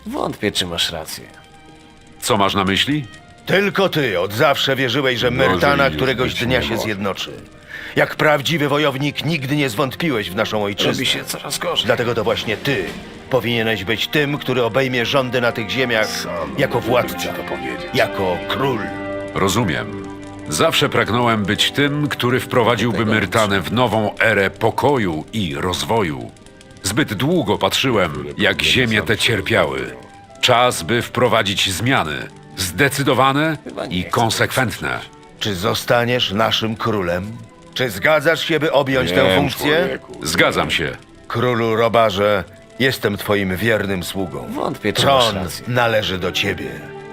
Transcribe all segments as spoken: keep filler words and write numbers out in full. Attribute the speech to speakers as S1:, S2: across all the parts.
S1: Wątpię, czy masz rację.
S2: Co masz na myśli?
S3: Tylko ty od zawsze wierzyłeś, że Myrtana
S4: już
S3: któregoś
S4: być
S3: dnia
S4: nie
S3: się
S4: może.
S3: zjednoczy. Jak prawdziwy wojownik nigdy nie zwątpiłeś w naszą ojczyznę.
S1: Robi się coraz gorzej.
S3: Dlatego to właśnie ty powinieneś być tym, który obejmie rządy na tych ziemiach jako władca,
S4: ci to powiedzieć.
S3: jako król.
S2: Rozumiem. Zawsze pragnąłem być tym, który wprowadziłby Myrtanę w nową erę pokoju i rozwoju. Zbyt długo patrzyłem, jak ziemie te cierpiały. Czas, by wprowadzić zmiany. Zdecydowane i konsekwentne.
S3: Czy zostaniesz naszym królem? Czy zgadzasz się, by objąć tę
S4: Wiem,
S3: funkcję?
S4: człowieku.
S2: Zgadzam się.
S3: Królu Robarze, jestem twoim wiernym sługą.
S1: Wątpię, czy masz
S3: Tron
S1: rację.
S3: należy do ciebie.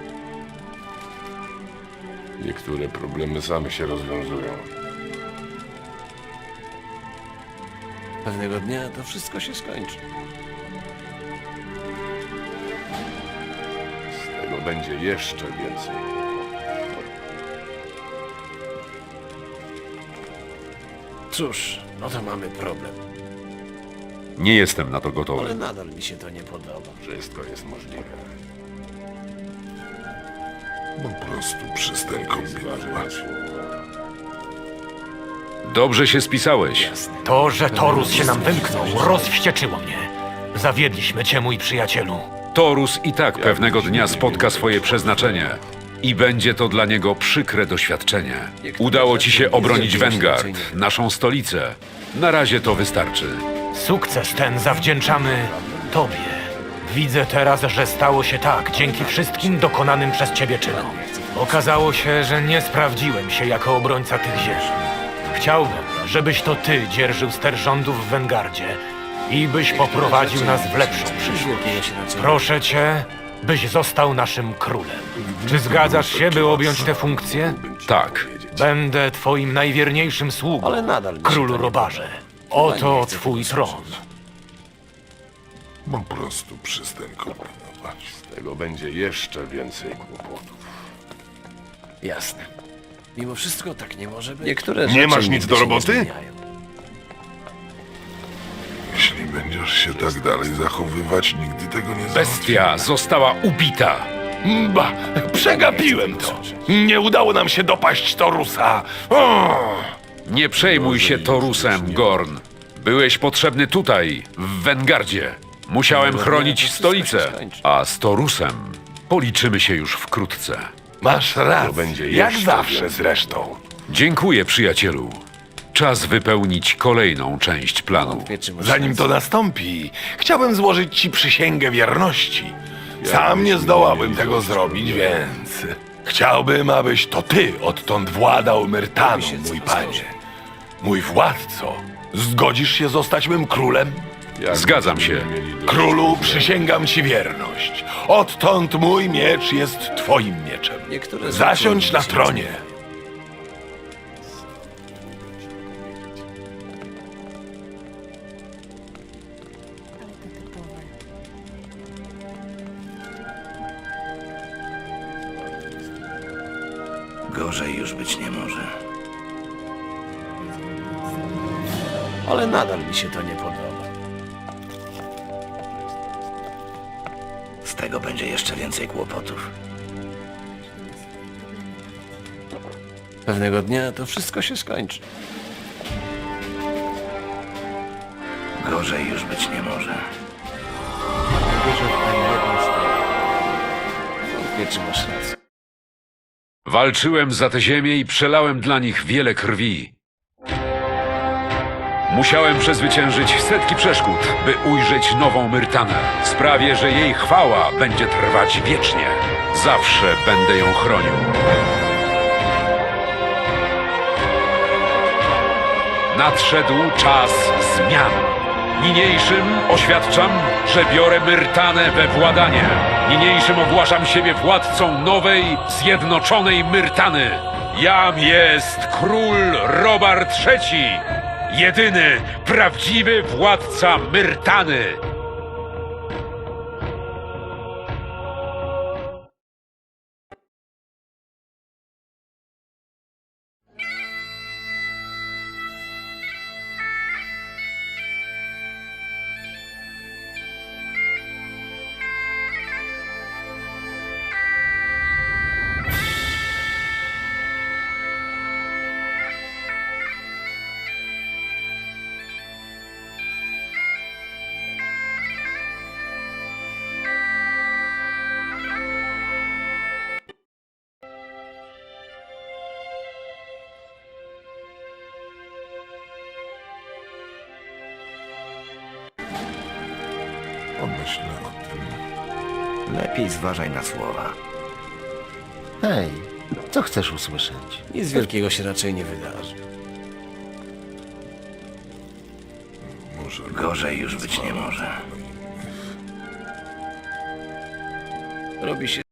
S4: Niektóre problemy same się rozwiązują.
S1: Pewnego dnia to wszystko się skończy.
S4: Z tego będzie jeszcze więcej.
S1: Cóż, no to mamy problem.
S2: Nie jestem na to
S1: Ale
S2: gotowy.
S1: nadal mi się to nie podoba.
S4: Wszystko jest możliwe.
S5: Po prostu przestań kombinować.
S2: Dobrze się spisałeś.
S6: To, że Torus się nam wymknął, rozwścieczyło mnie. Zawiedliśmy cię, mój przyjacielu.
S2: Torus i tak pewnego dnia spotka swoje przeznaczenie. I będzie to dla niego przykre doświadczenie. Udało ci się obronić Vanguard, naszą stolicę. Na razie to wystarczy.
S6: Sukces ten zawdzięczamy tobie. Widzę teraz, że stało się tak dzięki wszystkim dokonanym przez ciebie czynom. Okazało się, że nie sprawdziłem się jako obrońca tych ziem. Chciałbym, żebyś to ty dzierżył ster rządów w Wengardzie i byś poprowadził nas w lepszą przyszłość.
S1: Wielkiego się na co...
S6: Proszę cię, byś został naszym królem. Czy zgadzasz się, by objąć tę funkcję?
S2: Tak.
S6: Będę twoim najwierniejszym sługą,
S1: Ale nadal mi się
S6: królu
S1: to nie
S6: Robarze.
S1: Chyba
S6: Oto
S1: nie chcę
S6: twój
S1: tego
S6: tron.
S1: słyszeć.
S5: Po prostu przestań kombinować.
S4: Z tego będzie jeszcze więcej kłopotów.
S1: Jasne. Mimo wszystko tak nie może być. Niektóre
S5: Nie
S1: rzeczy
S5: masz nic
S1: nigdy
S5: do
S1: się nie
S5: roboty?
S1: zmieniają.
S5: Jeśli będziesz się tak dalej zachowywać, nigdy tego nie
S2: Bestia została ubita.
S7: Ba, przegapiłem to. Nie udało nam się dopaść Torusa. O!
S2: Nie przejmuj się Torusem, Gorn. Byłeś potrzebny tutaj, w Wengardzie. Musiałem chronić stolicę, a z Torusem policzymy się już wkrótce.
S7: Masz rację,
S4: będzie
S7: jak
S4: jeszcze
S7: zawsze
S4: więcej.
S7: zresztą.
S2: Dziękuję, przyjacielu. Czas wypełnić kolejną część planu.
S1: Wątpię, czy masz
S7: Zanim
S1: rację.
S7: to nastąpi, chciałbym złożyć ci przysięgę wierności. Sam nie zdołałbym tego zrobić, więc chciałbym, abyś to ty odtąd władał Myrtaną, mój panie. Mój władco, zgodzisz się zostać mym królem?
S4: Jak
S2: Zgadzam
S4: będziemy
S2: się.
S4: mieli do-
S7: Królu, przysięgam ci wierność. Odtąd mój miecz jest twoim mieczem.
S1: Niektóre
S7: Zasiądź
S1: rzeczy
S7: na
S1: nigdy się
S7: tronie.
S1: nie zmieniają.
S8: Gorzej już być nie może.
S1: Ale nadal mi się to nie podoba.
S8: Z tego będzie jeszcze więcej kłopotów.
S1: Pewnego dnia to wszystko się skończy.
S8: Gorzej już być nie może.
S1: Wierzę w ani jedną stronę. Wątpię, czy masz rację.
S2: Walczyłem za tę ziemię i przelałem dla nich wiele krwi. Musiałem przezwyciężyć setki przeszkód, by ujrzeć nową Myrtanę. Sprawię, że jej chwała będzie trwać wiecznie. Zawsze będę ją chronił. Nadszedł czas zmian. Niniejszym oświadczam, że biorę Myrtanę we władanie. Niniejszym ogłaszam siebie władcą nowej, zjednoczonej Myrtany. Jam jest król Robar trzeci, jedyny, prawdziwy władca Myrtany.
S5: Pomyślę o tym.
S8: Lepiej zważaj na słowa.
S3: Hej, co chcesz usłyszeć?
S1: Nic wielkiego się raczej nie wydarzy.
S5: Może
S8: Gorzej już być nie może.
S1: Robi się